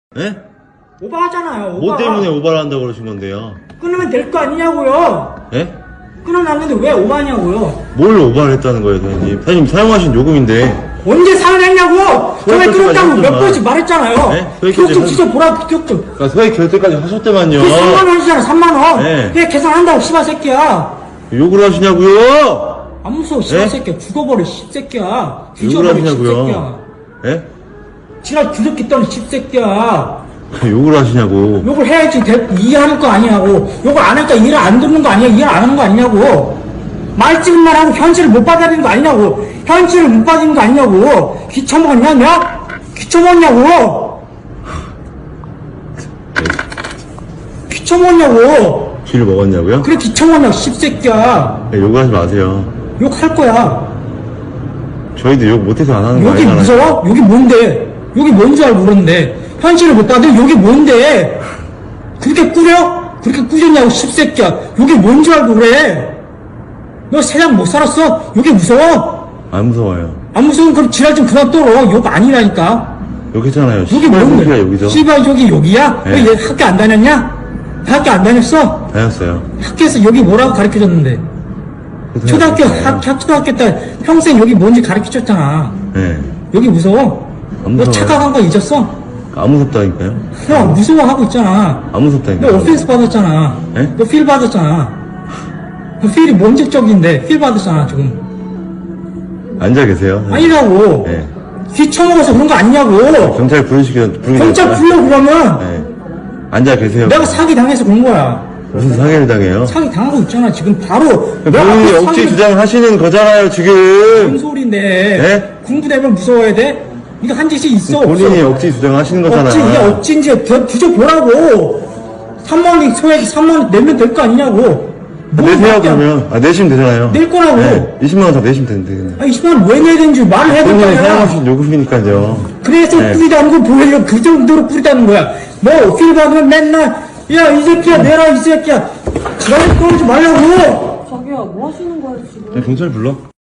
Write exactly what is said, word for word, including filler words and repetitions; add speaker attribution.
Speaker 1: 예?
Speaker 2: 오버하잖아요. 오버.
Speaker 1: 뭐 때문에 오버를 한다고 그러신 건데요?
Speaker 2: 끊으면 될 거 아니냐고요.
Speaker 1: 예?
Speaker 2: 끊어놨는데 왜 오버하냐고요.
Speaker 1: 뭘 오버를 했다는 거예요, 사장님? 사장님 사용하신 요금인데.
Speaker 2: 언제 사용했냐고. 왜 끊었다고 몇 번씩 말했잖아요.
Speaker 1: 네?
Speaker 2: 기억 좀 뒤져보라. 기억 좀.
Speaker 1: 그러니까 소액 결제까지 하셨대만요.
Speaker 2: 그 삼만 원이잖아. 삼만 원.
Speaker 1: 네.
Speaker 2: 그게 계산한다고 씨발 새끼야.
Speaker 1: 욕을 하시냐고요?
Speaker 2: 안 무서워 씨발
Speaker 1: 네?
Speaker 2: 새끼야. 죽어버려 씨새끼야.
Speaker 1: 욕을
Speaker 2: 뒤져버려
Speaker 1: 하시냐고요?
Speaker 2: 씨새끼야.
Speaker 1: 예?
Speaker 2: 지랄 주접기 떠는 씨새끼야.
Speaker 1: 욕을 하시냐고.
Speaker 2: 욕을 해야지 대, 이해하는 거 아니냐고. 욕을 안 하니까 이해를 안 듣는 거 아니야. 이해 안 하는 거 아니냐고. 말 찍은 말하고 현실을 못 받아들이는 거 아니냐고. 현실을 못 받아들이는 거 아니냐고. 귀쳐먹었냐 냐? 귀쳐먹었냐고. 귀쳐먹었냐고.
Speaker 1: 쥐를 먹었냐고요?
Speaker 2: 그래 귀쳐먹었냐고 씹새끼야.
Speaker 1: 네, 욕을 하지 마세요.
Speaker 2: 욕할 거야.
Speaker 1: 저희도 욕 못해서 안 하는 거
Speaker 2: 욕이
Speaker 1: 아니잖아요.
Speaker 2: 무서워? 욕이 뭔데? 욕이 뭔 줄 알고 그러는데 현실을 못 받아들여. 욕이 뭔데? 그렇게 꾸려? 그렇게 꾸렸냐고 씹새끼야. 욕이 뭔 줄 알고 그래? 너 세상 못 살았어? 욕이 무서워?
Speaker 1: 안 무서워요.
Speaker 2: 안 무서우면 그럼 지랄 좀 그만 떨어. 욕 아니라니까.
Speaker 1: 욕했잖아요.
Speaker 2: 욕이
Speaker 1: 씨발
Speaker 2: 뭔데?
Speaker 1: 새끼가 욕이죠.
Speaker 2: 씨발 욕이 욕이야?
Speaker 1: 네.
Speaker 2: 왜 얘 학교 안 다녔냐? 학교 안 다녔어?
Speaker 1: 다녔어요.
Speaker 2: 학교에서 욕이 뭐라고 가르쳐줬는데?
Speaker 1: 그래서
Speaker 2: 초등학교,
Speaker 1: 다녔어요.
Speaker 2: 학, 학- 초등학교 때 평생 욕이 뭔지 가르쳐줬잖아.
Speaker 1: 네.
Speaker 2: 욕이 무서워?
Speaker 1: 안
Speaker 2: 너
Speaker 1: 무서워요.
Speaker 2: 착각한 거 잊었어?
Speaker 1: 안 무섭다니까요?
Speaker 2: 형 무서워하고 있잖아.
Speaker 1: 안 무섭다니까요?
Speaker 2: 너 오펜스 받았잖아.
Speaker 1: 네?
Speaker 2: 너 필 받았잖아. 그 필이 뭔적적인데 필 받았잖아 지금.
Speaker 1: 앉아 계세요.
Speaker 2: 아니라고.
Speaker 1: 네.
Speaker 2: 귀 쳐먹어서 그런 거 아니냐고.
Speaker 1: 경찰 부르시기 부르기
Speaker 2: 경찰 불러 그러면.
Speaker 1: 네. 앉아 계세요.
Speaker 2: 내가 사기 당해서 그런 거야.
Speaker 1: 무슨 상해를 당해요?
Speaker 2: 사기 당하고 있잖아 지금 바로. 내
Speaker 1: 본인이
Speaker 2: 앞에
Speaker 1: 억지
Speaker 2: 사기-
Speaker 1: 주장하시는 거잖아요,
Speaker 2: 뭔
Speaker 1: 지금.
Speaker 2: 소리인데.
Speaker 1: 네?
Speaker 2: 공부되면 무서워야 돼? 이거 한 짓이 있어
Speaker 1: 본인이
Speaker 2: 없어?
Speaker 1: 억지 주장하시는 거잖아.
Speaker 2: 억지 이게 억지인지 더 뒤져보라고. 삼만 원이 소액 삼만 원 내면 될 거 아니냐고. 뭘
Speaker 1: 내세요,
Speaker 2: 밖에 안-
Speaker 1: 그러면. 아, 내시면 되잖아요.
Speaker 2: 낼 거라고.
Speaker 1: 네. 이십만 원 다 내시면 되는데.
Speaker 2: 아 이십만 원 왜 내야 되는지 말을 해야
Speaker 1: 본인이
Speaker 2: 될거야.
Speaker 1: 사용하신 요금이니까요.
Speaker 2: 그래서
Speaker 1: 네.
Speaker 2: 뿌리다는 거 보려고 그 정도로 뿌리다는 거야. 뭐 필 받으면 맨날 야 이 새끼야 내라 이 새끼야 지랄 떨지 말라고.
Speaker 3: 자기야 뭐 하시는 거야 지금?
Speaker 1: 경찰 불러?